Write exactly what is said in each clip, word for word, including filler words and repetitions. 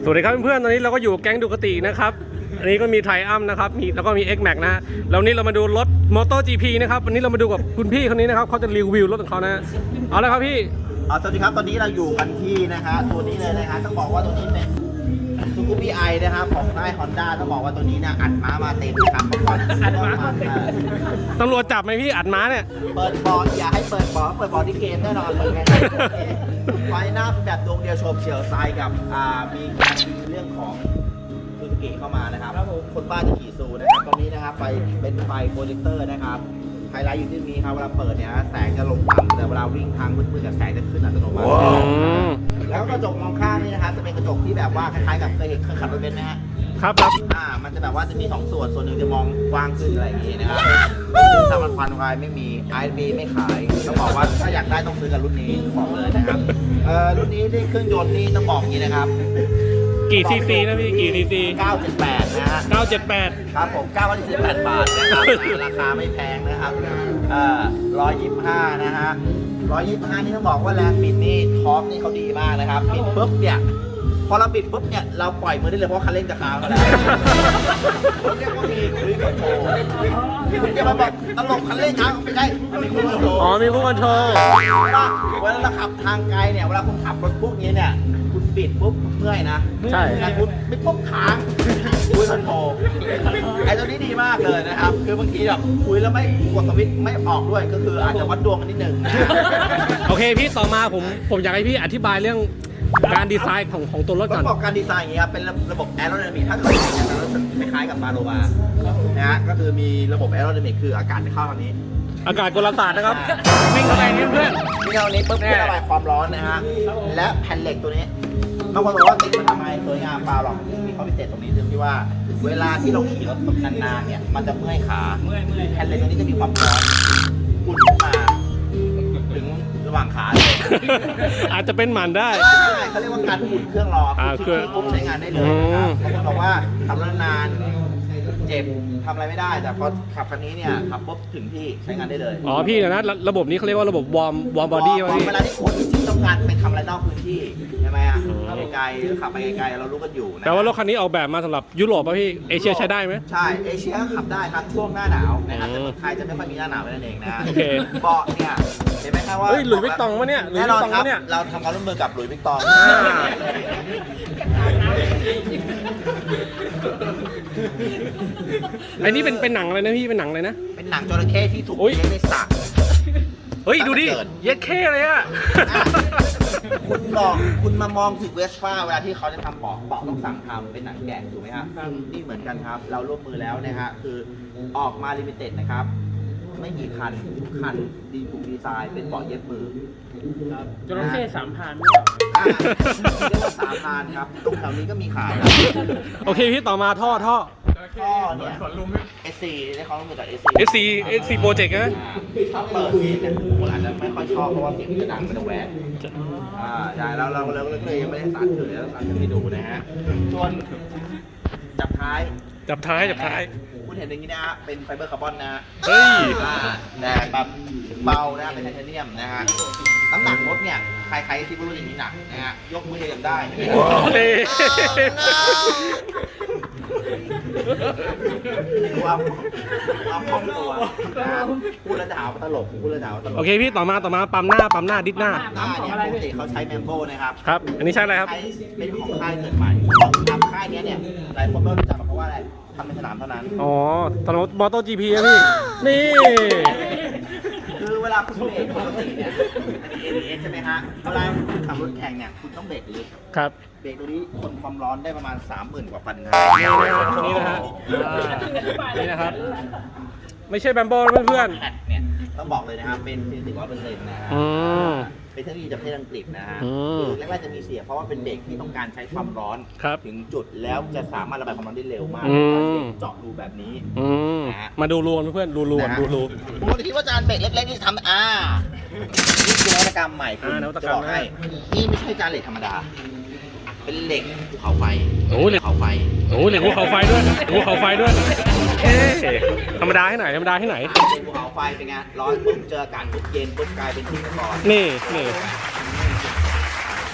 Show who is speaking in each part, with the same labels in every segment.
Speaker 1: สวัสดีครับเพื่อนๆตอนนี้เราก็อยู่แก๊งดูคตินะครับอันนี้ก็มีไทอัมนะครับมีแล้วก็มี X Max นะฮะแล้วนี้เรามาดูรถ MotoGP นะครับวันนี้เรามาดูกับคุณพี่คนนี้นะครับเขาจะรีวิวรถของเขานะเอาละครับพี่
Speaker 2: อ๋อสวัสดีครับตอนนี้เราอยู่กันที่นะฮะตัวนี้เลยนะฮะต้องบอกว่าตัวนี้เป็นซูกูปี้ไอนะครับของค่ายฮอนด้าต้องบอกว่าตัวนี้เนี่ยอัดม้ามาเต็มนะครับเมื่อก่อนอัดม้ามาเต็ม
Speaker 1: ตำรวจจับไหมพี่อัดม้าเนี่ย
Speaker 2: เปิดบอลอย่าให้เปิดบอลเปิดบอลที่เกมแน่นอนเลยไงไฟหน้าแบบดวงเดียวโฉบเฉี่ยวทรายกับอ่ามีการมีเรื่องของซูซูกิเข้ามานะครับคนบ้าจะขี่ซูนะครับตรงนี้นะครับไฟเป็นไฟโปรเจคเตอร์นะครับไฮไลท์อยู่ที่นี้ครับเวลาเปิดเนี่ยแสงจะลงต่ำแต่เวลาวิ่งทางมืดๆกับแสงจะขึ้นอัตโนมัติแล้วกระจกมองข้างนี่นะครับจะเป็นกระจกที่แบบว่าคล้ายๆกับเคยเห็นเคยขับรถเบนซ์ไหมฮะ
Speaker 1: ครับครับ
Speaker 2: อ่ามันจะแบบว่าจะมีสองส่วนส่วนหนึ่งจะมองกว้างขึ้นอะไรอย่างงี้นะครับถ้ามันควันไฟไม่มี ไอ บี ไม่ขายต้องบอกว่าถ้าอยากได้ต้องซื้อกับรุ่นนี้บอกเลยนะครับเอ่อรุ่นนี้ที่เครื่องยนต์นี่ต้องบอกอย่างนี้นะครับ
Speaker 1: กี่ซีซีนะพี่กี่ซีซี
Speaker 2: เก้าเจ็ดแปดนะฮะ
Speaker 1: เก้าเจ็ดแปด
Speaker 2: ครับผมเก้าร้อยสิบแปดบาทนะครับราคาไม่แพงนะครับเอ่อร้อยยี่สิบห้านะฮะร้อยยี่สิบห้านี่ต้องบอกว่าแรงบิดนี่ท็อปนี่เขาดีมากนะครับบิดปุ๊บเนี่ยพอเราบิดปุ๊บเนี่ยเราปล่อยมือได้เลยเพราะคันเร่งจะค้างแล้วเขาเรียกว่ามีครูคอนโทรคุณจะมาบอกตลกคันเร่งค้างไม่ใช่มันมีครูคอนโทร
Speaker 1: อ๋อมีครูคอนโทร
Speaker 2: ว่าเวลาเราขับทางไกลเนี่ยเวลาคุณขับรถพวกนี้เนี่ยคุณบิดปุ๊บเมื่อยนะ
Speaker 1: ใช่
Speaker 2: คุณไม่ปุ๊บค้างคุยคอนโทรไอ้ตัวนี้ดีมากเลยนะครับคือบางทีแบบคุยแล้วไม่กดสวิตช์ไม่ออกด้วยก็คืออาจจะวัดดวงกันนิดนึง
Speaker 1: โอเคพี่ต่อมาผมผมอยากให้พี่อธิบายเรื่องการดีไซน์ของของตัวรถก่อน
Speaker 2: ต้องบอกการดีไซน์อย่างนี้ครับเป็นระบบแอโรไดนามิกถ้าเกิดเป็นอย่างนั้นคล้ายๆกับปาโลมานะฮะก็คือมีระบบแอโรไดนามิกคืออากาศจะเข้าทางนี้
Speaker 1: อากาศกลศาสตร์นะครับวิ่งเข้าไปนี่เพื่อน
Speaker 2: วิ่งเข้านี้ปุ๊บเพื่อระบายความร้อนนะฮะและแผ่นเหล็กตัวนี้บางคนบอกว่าติดมาทำไมสวยงามเปล่าหรอกมีข้อพิเศษตรงนี้คือที่ว่าเวลาที่เราขี่รถนานๆเนี่ยมันจะเมื่อยขาแผ่นเหล็กตัวนี้จะมีความร้อนอุ่นขึ้นมาถึงระหว่างขาเลย
Speaker 1: อาจจะเป็นหมันได้
Speaker 2: เขาเรียกว่าการอุ่นเครื่องรอคือปุ๊บใช้งานได้เลยนะครับบางคนบอกว่าขับรถนานเจ็บทำอะไรไม่ได้แต่พอขับคันนี้เนี่ยขับปุ๊บถึงที่ใช้งานได้เลย
Speaker 1: อ๋อพี่นะระบบนี้เขาเรียกว่าระบบวอร์มวอร์มบอดี้
Speaker 2: วะพี่เวลาที่คนที่ต้องการไปทำอะไรนอกพื้นที่ใช่ไหมอ่ะไกลๆขับไปไกลๆเรารู้กันอยู่นะ
Speaker 1: แต่ว่ารถคันนี้ออกแบบมาสำหรับยุโรปป่ะพี่เอเชียใช้ได้ไหม
Speaker 2: ใช่เอเชียขับได้ครับช่วงหน้าหนาวนะครับแต่ไทยจะไม่ค่อยมีหน้าหนาวนั่นเองนะ
Speaker 1: โอเค
Speaker 2: เบาะเนี่ยเห็นไหมครับว่า
Speaker 1: เฮ้ยหลุยส์วิกตองวะเนี่ย
Speaker 2: แน่นอนครับเราทำการร่วมมือกับหลุยส์วิกตอง
Speaker 1: ไอ้นี่เป็นเป็นหนังอะไรนะพี่เป็นหนังอะไรนะ
Speaker 2: เป็นหนังจระเข้ที่ถูกเลี้ยงในสระ
Speaker 1: เฮ้ยดูดิเย็ดเข้เลยอะ
Speaker 2: คุณบอกคุณมามองถึงเวสป้าเวลาที่เขาจะทำเบาะเบาะต้องสั่งทำเป็นหนังแกะถูกไหมครับนี่เหมือนกันครับเราร่วมมือแล้วนะฮะคือออกมาลิมิเต็ดนะครับไม่กี่คันทุกคันดีถูกดีไซน์เป็นเบาะเย็บมือ
Speaker 3: จระเข้สามพัน
Speaker 2: เรียกว่าสามพันครับตรงแถวนี้ก็มีขาย
Speaker 1: โอเคพี่ต่อมาท่อท่อ
Speaker 2: ท่อเนี่ยเอสซีได้เขาต้องมือจากเอสซี
Speaker 1: เอสซีเอสซีโปรเจกต์นะ
Speaker 2: ถ้าเปิดซีเนี่ยคนอาจจะไม่ค่อยชอบเพราะว่าเสียงมันจะดังมันจะแหวกอ่าใช่แล้วเราเราก็เลยยังไม่ได้สานเฉยแล้วสานให้ดูนะฮะส่วนจับท้าย
Speaker 1: จับท้ายจับท้าย
Speaker 2: คุณเห็นอย่างนี้นะฮะเป็นไฟเบอร์คาร์บอนนะ
Speaker 1: เฮ้ย
Speaker 2: แต่แบบเบานะเป็นไทเทเนียมนะฮะน้ำหนักรถเนี่ยใครๆที่รู้อย่างนี้หนักนะฮะยกมือยังได้ความความคล่องตัวพูดแล้วดาวตลกพูดแล้วดาวตลก
Speaker 1: โอเคพี่ต่อมาต่อมาปั๊มหน้าปั๊มหน้าดิสหน้า
Speaker 2: หน้าเนี่ยปกติเขาใช้แมมโบนะครับ
Speaker 1: ครับอันนี้ใช่อะไรครับ
Speaker 2: เป็นของค่ายเกิดใหม่ทำค่ายนี้เนี่ยหลายคนก็รู้จักเพราะว่าอะไรทำในสนามเท่านั้น
Speaker 1: อ๋อสนามมอเตอร์จีพีอะพี่นี่
Speaker 2: คือเวลาคุณเบรกปกติเนี่ยอันนี้ เอ บี เอส ใช่ไหมฮะเวลาคุณขับรถแข่งเนี่ยคุณต้องเบรกลึก
Speaker 1: ครับ
Speaker 2: เบรกตัวนี้ทนความร้อนได้ประมาณ สามหมื่น กว่าฟันนะ
Speaker 1: นี่นะฮะนี่นะครับไม่ใช่แบมโบ้เพื่อน
Speaker 2: ๆแพดเนี่ยต้องบอกเลยนะครับเป็นฟิสิกส์ร้อยเปอร์เซ็นต์นะฮะเป็นเทคโนโลยีจากประเทศอังกฤษนะฮะคือแรกๆจะมีเสียเพราะว่าเป็นเบรกที่ต้องการใช้ความร้อนถึงจุดแล้วจะสามารถระบายความร้อนได้เร็วมากเจาะรูแบบนี้
Speaker 1: มาดูรูเพื่อนดูรูดูรู
Speaker 2: ผมคิดว่าจานเบรกเล็กๆที่ทำอ่านี่คือนวัตกรรมใหม่คุณจะบอกให้นี่ไม่ใช่จานเหล็กธรรมดาเป็นเหล็กภูเขาไฟ
Speaker 1: โอ้เหล็ก
Speaker 2: ภูเขาไฟ
Speaker 1: โอ้เหล็กภูเขาไฟด้วยภูเขาไฟด้วยเอ๊ธรรมดาให้ไหนธรรมดาให้ไหน
Speaker 2: ภูเขาไฟเป็นไงร้อนปุ๊บเจออากาศปุ๊บเย็นปุ๊บกลายเป็นที่นคร
Speaker 1: นี่นี่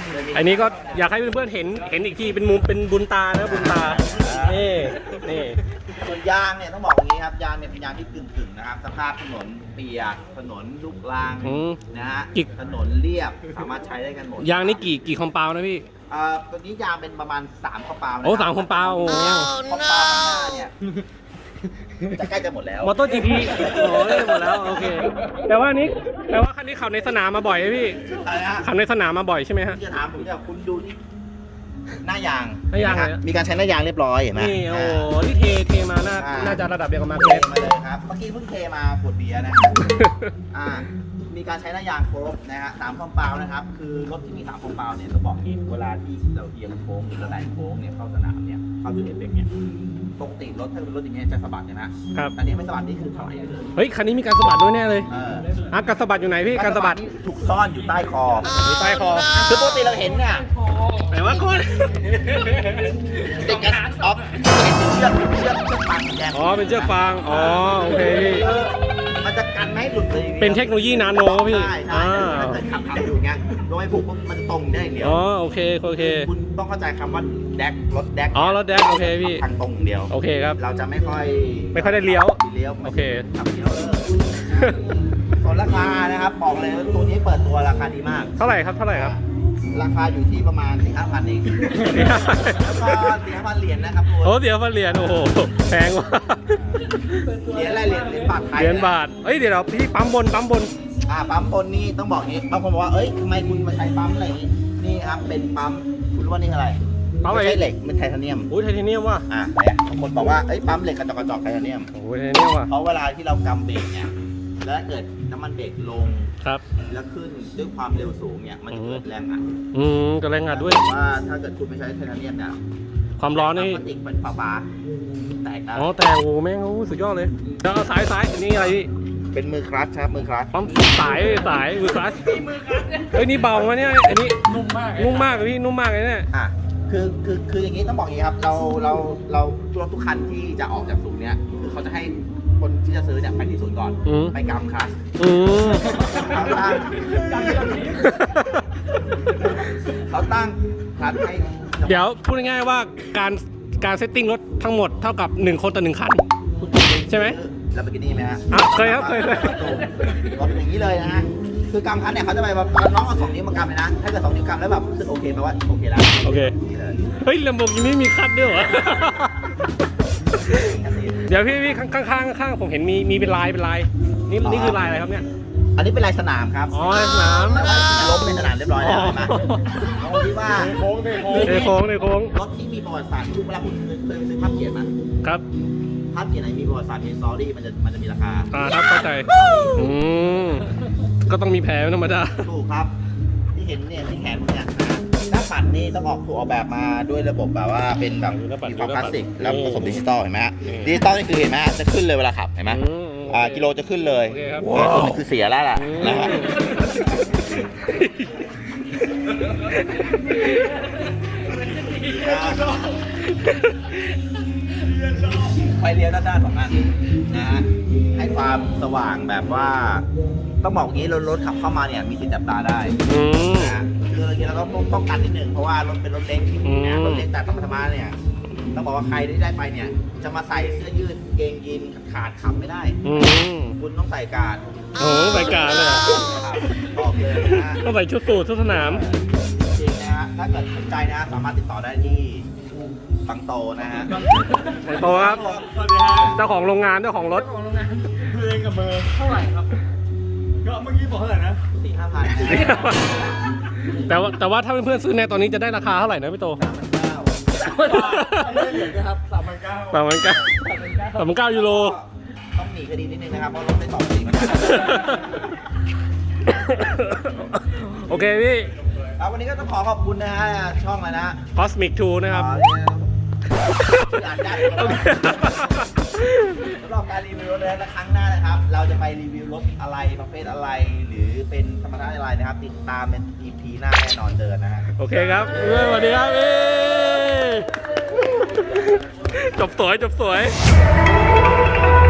Speaker 1: อันนี้ก็อยากให้เพื่อนๆเห็นเห็นอีกทีเป็นมุมเป็นบุญตานะบุญตา นี่นี่
Speaker 2: ส่วนยางเนี่ยต้องบอกอย่างนี้ครับยางเนี่ยเป็นยางที่กึ่งๆนะครับสภาพถนนเปียกถนนลูกรัง
Speaker 1: อืม
Speaker 2: นะฮะ
Speaker 1: กี่
Speaker 2: ถนนเรียบสามารถใช้ได้กันหมด
Speaker 1: ยางนี่กี่กี่คอมเปานะพี่
Speaker 2: เอ่อตัวนี้ยางเป็นประมาณสามข้อเปล่านะ
Speaker 1: โอ้สามคอมเปาโอ้
Speaker 2: ข้อเปล่าข้างหน้าเนี่ยจะใกล้จะหมดแล้ว
Speaker 1: มอเตอร์จีพีโอ้ยหมดแล้วโอเคแต่ว่านี้แต่ว่าคันนี้ขับในสนามมาบ่อยไหมพี่
Speaker 2: อะไรนะฮะ
Speaker 1: ขับในสนามมาบ่อยใช่ไหมฮะ
Speaker 2: ที่จะถามผมเนี่ยคุณดูที่หน้ายาง
Speaker 1: หน้ายาง
Speaker 2: เห็นไหม
Speaker 1: เลย
Speaker 2: ฮะมีการใช้หน้ายางเรียบร้อยเห็นไหม
Speaker 1: นี่โอ้ที่เทเทมาน่า
Speaker 2: อ่
Speaker 1: น่าจะระดับเดียวกับมา
Speaker 2: เท
Speaker 1: เกส
Speaker 2: มาเลยครับเมื่อกี้เพิ่งเทมาขวดเบียร์นะฮะ อ่ามีการใช้หน้ายางครบนะฮะสามคอมเปานะครับ คือรถที่มีสามคอมเปาเนี่ยต้องบอกอย่างนี้เวลาที่เราเอียงโค้งหรือเราแหลงโค้งเนี่ยเข้าสนามเนี่ยเข้าจุดเอฟเฟกต์เนี่ยปกติรถถ้าเป็นรถอย่างเงี้ยจะสะบัดใช่ไหม
Speaker 1: ครับ
Speaker 2: อันนี้ไม่สะบัดนี่คือถอยเลย
Speaker 1: เฮ้ยคันนี้มีการสะบัดด้วยแน่เลย
Speaker 2: เออ
Speaker 1: อ่ะการสะบัดอยู่ไหนพี่การสะบัด
Speaker 2: นี่ถูกซ่อนอยู่ใต้คอ
Speaker 1: อยู่ใต้คอ
Speaker 2: คือปกติเราเห็นเนี่ย
Speaker 1: แต่ว่าคน
Speaker 2: ติดกันออฟเห็นเป็นเชือกเชือกเชือกปางสีแดง
Speaker 1: อ๋อเป็นเชือกฟางอ๋อโอเคพี่
Speaker 2: เออมันจะกันไม่ให้หลุดเลย
Speaker 1: เป็นเทคโนโลยีนาโนพี่
Speaker 2: ใช่ใช่
Speaker 1: อ่า
Speaker 2: ถ้าเกิดขับขับอยู่อย่างเงี้ยโดยผูกปุ๊บมันจะตรงได้อย่างเดียว
Speaker 1: อ๋อโอเคโอเค
Speaker 2: คุณต้องเข้าใจคำว่าแดกรถแดก
Speaker 1: อ๋อรถแดกโอเคพี่
Speaker 2: ทางตรงอย่างเดียว
Speaker 1: โอเคครับ
Speaker 2: เราจะไม่ค่อย
Speaker 1: ไม่ค่อยได้เลี้ยว
Speaker 2: เลี้ยว
Speaker 1: โอเค
Speaker 2: ขับเลี้ยวเออส่วนราคานะครับบอกเลยว่าตัวนี้เปิดตัวราคาดีมาก
Speaker 1: เท่าไหร่ครับเท่าไหร่ครับ
Speaker 2: ราคาอยู่ที่ประมาณสี่ห้าพันเองแล้วก็สี่ห้าพันเหรียญนะครับ
Speaker 1: โอ้
Speaker 2: ตัว
Speaker 1: เดี๋ยวมาเหรียญโอ้โหแพงว่ะ
Speaker 2: เหรียญอะไรเหรียญเหรียญบาทไทย
Speaker 1: เหรียญบาทเอ้ยเดี๋ยวเราพี่ปั๊มบนปั๊มบน
Speaker 2: อ่าปั๊มบนนี่ต้องบอกอย่างนี้บางคนบอกว่าเอ้ยทำไมคุณมาใช้ปั๊มอะไรอย่างนี้นี่ครับเป็นปั๊มคุณรู้ว่านี่อะไร
Speaker 1: ปั๊มอะไร
Speaker 2: ไม่ใช่เหล็กเป็นไทเทเนียม
Speaker 1: อุ้ยไทเทเนียมว่ะ
Speaker 2: อ่าเนี่ยบางคนบอกว่าเอ้ยปั๊มเหล็กกระจอกกระจอกไทเทเนียม
Speaker 1: โอ้ยไทเทเนียมว่ะ
Speaker 2: เพราะเวลาที่เรากำเบรกเนี่ย แล้วถ้าเกิดน้ำมันเบรกลง
Speaker 1: ครับ
Speaker 2: แล้วขึ้นด้วยความเร็วสูงเนี่ย มันจะเกิดแรงอัด
Speaker 1: อืมกระแรงอัดด้วย
Speaker 2: แต่ว่าถ้าเกิดคุณไม่ใช้ไทเทเนียมเนี่ย
Speaker 1: ความร้อนนี่
Speaker 2: พลาสติกเป็นฟ้าฟ้าๆแตกนะ
Speaker 1: อ๋อแต่โอ้โหแม่งโอ้สุดยอดเลยแล้วเอาสายสายอันนี้อะไรพี่
Speaker 2: เป็นมือคลัตชครับมือคลัตช
Speaker 1: ปั๊มสายสายมือคลัชเฮ้ยนี่เบาวะเนี่ยอันนี้นุ่มมากนุ่มมากเลยพี่นุ่มมากเลยเนี่ย
Speaker 2: อ่ะคือคือคืออย่างนี้ต้องบอกอย่างนี้ครับ เราเราเรารถทุกคันที่จะออกจากศูนย์เนี่ยคือเขาจะให้คนที่จะซื้อเนี่ยไปที่ศูนย์ก่อน
Speaker 1: อืม
Speaker 2: ไปกำคลัตช
Speaker 1: อืม
Speaker 2: เขาตั้งเขาตั้งคลัตชให้
Speaker 1: เดี๋ยวพูดง่ายๆว่าการการเซตติ้งรถทั้งหมดเท่ากับหนึ่งคนต่อหนึ่งคัน ใช่ไหม
Speaker 2: แล้วไปกินนี่ไหมฮะ
Speaker 1: อ่ะเคยครับเคยเคย
Speaker 2: รถเป็นอย่างนี้เลยนะฮะคือกำคันเนี่ยเขาจะไปแบบน้องเอาสองนิ้วมากำเลยนะถ้าเกิดสองนิ้วกำแล้วแบบรู้สึกโอเคแปลว่าโอเคแล้ว
Speaker 1: โอเค
Speaker 2: นี่เลย
Speaker 1: เฮ้ยลำโพงนี้มีคัดด้วยเหรอ เดี๋ยวพี่พี่ข้างข้างข้างข้างผมเห็นมีมีเป็นลายเป็นลาย นี่นี่คือลายอะไรครับเนี่ย
Speaker 2: อันนี้เป็นลายสนามครับ
Speaker 1: อ๋อลายสนาม
Speaker 2: แต่ว่าล้มในสนามเรียบร้อยแล้วเห็นไหมตรงที่ว่า
Speaker 1: ในโค้งในโค้งในโค้ง
Speaker 2: รถที่มีประวัติศาสตร์ทุกเวลาคุณเคยเคยไปซื้อภาพเขียนไหม
Speaker 1: ครับ
Speaker 2: ภาพเขียนไหนมีประวัติศาสตร์มีสตอรี่มันจะมันจะมีราคา
Speaker 1: อ่าครับเข้าใจอืมก็ต้องมีแผลเป็นธรรมดา
Speaker 2: ถูกครับ ที่เห็นเนี่ยที่แขนผมเนี่ยนะหน้าปัดนี่ต้องออกถูกออกแบบมาด้วยระบบแบบว่าเป็นแบบ
Speaker 1: หน้าปัด
Speaker 2: มีความ
Speaker 1: ห
Speaker 2: ค
Speaker 1: น้า
Speaker 2: ลา
Speaker 1: ปั
Speaker 2: ส
Speaker 1: ด
Speaker 2: สิกแล้วผสม
Speaker 1: นี่
Speaker 2: ดิจิตอลเห็นไหมฮะ
Speaker 1: นี่
Speaker 2: ดิจิตอลนี่คือเห็นไหมฮะจะขึ้นเลยเวลาขับเห็นไหม
Speaker 1: อืม
Speaker 2: อ่ากิโลจะขึ้นเลย
Speaker 1: โอเคครับ
Speaker 2: แต่ส่วนหนึงคือเสียแล้วล่ะ
Speaker 1: อืม
Speaker 2: นะฮะไฟเลี้ยวด้านหน้าสองอันนะฮะให้ความสว่างแบบว่า ต้องบอกอย่างนี้รถรถขับเข้ามาเนี่ยมีสิทธิ์จับตาได้
Speaker 1: อืม
Speaker 2: นะฮะคืออย่างนี้เราต้องป้องกันนิดนึงเพราะว่ารถเป็นรถเล็ก
Speaker 1: อืม
Speaker 2: นะรถเล็กแต่ธรรมธรรมะเนี่ยต้องบอกว่าใครที่ได้ไปเนี่ย จะมาใส่เสื้อยืดเกงยีนขาดขับไม่ได้
Speaker 1: อืม
Speaker 2: คุณต้องใส่การ์ด
Speaker 1: โอ้โหใส่การ์ดเลยเหรอ
Speaker 2: ครับบอกเลยนะฮะ
Speaker 1: ต้องใส่ชุดสูทชุดสนาม
Speaker 2: จริงนะฮะถ้าเกิดสนใจนะฮะสามารถติดต่อได้ที่บังโตนะฮะ
Speaker 1: บังโตครับ เจ้าของโรงงานเจ้าของรถ
Speaker 3: ของโรงงานเพลงกับเบอร์เท่าไหร่ครับ ก็เมื่อกี้บอกเท่าไหร่นะ
Speaker 2: สี่ห้าพัน
Speaker 1: แต่ว่าแต่ว่าถ้าเพื่อนๆซื้อในตอนนี้จะได้ราคาเท่าไหร่นะพี่โต
Speaker 2: สามพันเก้า
Speaker 3: ไม่ได้เหรียญนะครับสามพันเก้า
Speaker 1: สามพันเก้าสามพันเก้ายูโร
Speaker 2: ต้องหนีคดีนิดนึงนะครับเพราะรถได้ต่อสีมา
Speaker 1: โอเคพี่
Speaker 2: ครับวันนี้ก็ต้องขอขอบคุณนะฮะช่องอะไรนะ
Speaker 1: Cosmic ทูนะครับ
Speaker 2: อ๋อเนี่ยอ่านได้สำหรับการรีวิวรถนะครั้งหน้านะครับ เราจะไปรีวิวรถอะไรประเภทอะไร หรือเป็นธรรมดาอะไรนะครับ ติดตามเป็น อี พี หน้าแน่นอนเจอนะฮะ
Speaker 1: โอเคครับสวัสดีครับพี่จบสวยจบสวย